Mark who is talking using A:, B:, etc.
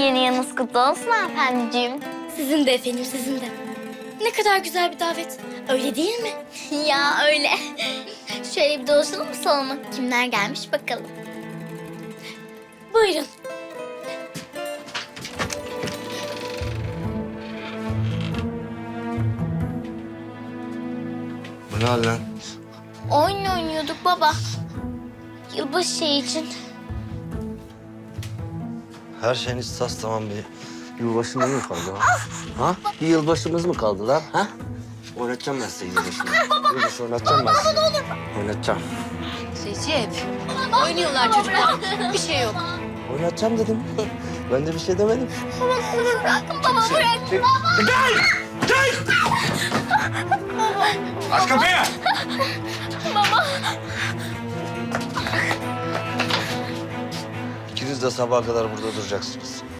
A: Yeni yılınız kutlu olsun hanımefendiciğim.
B: Sizin de efendim, sizin de. Ne kadar güzel bir davet. Öyle değil mi?
A: Ya öyle. Şöyle bir dolaşalım mı salona? Kimler gelmiş bakalım.
B: Buyurun.
C: Bu ne hal lan?
A: Oyun oynuyorduk baba. Yılbaşı şeyi için.
C: Her şeyiniz sas tamam bir. Yılbaşında mı kaldı ha? Ha? Bir yılbaşımız mı kaldı lan? Ha? Oynatacağım ben size yılbaşını. Yılbaşı oynatacağım ben size. Oynatacağım.
B: Recep. Oynuyorlar çocuklar. Bir şey yok.
C: Oynatacağım dedim. Ben de bir şey demedim.
A: Bırakın baba bırak.
D: Aç kapıyı!
C: İkiniz de sabaha kadar burada duracaksınız.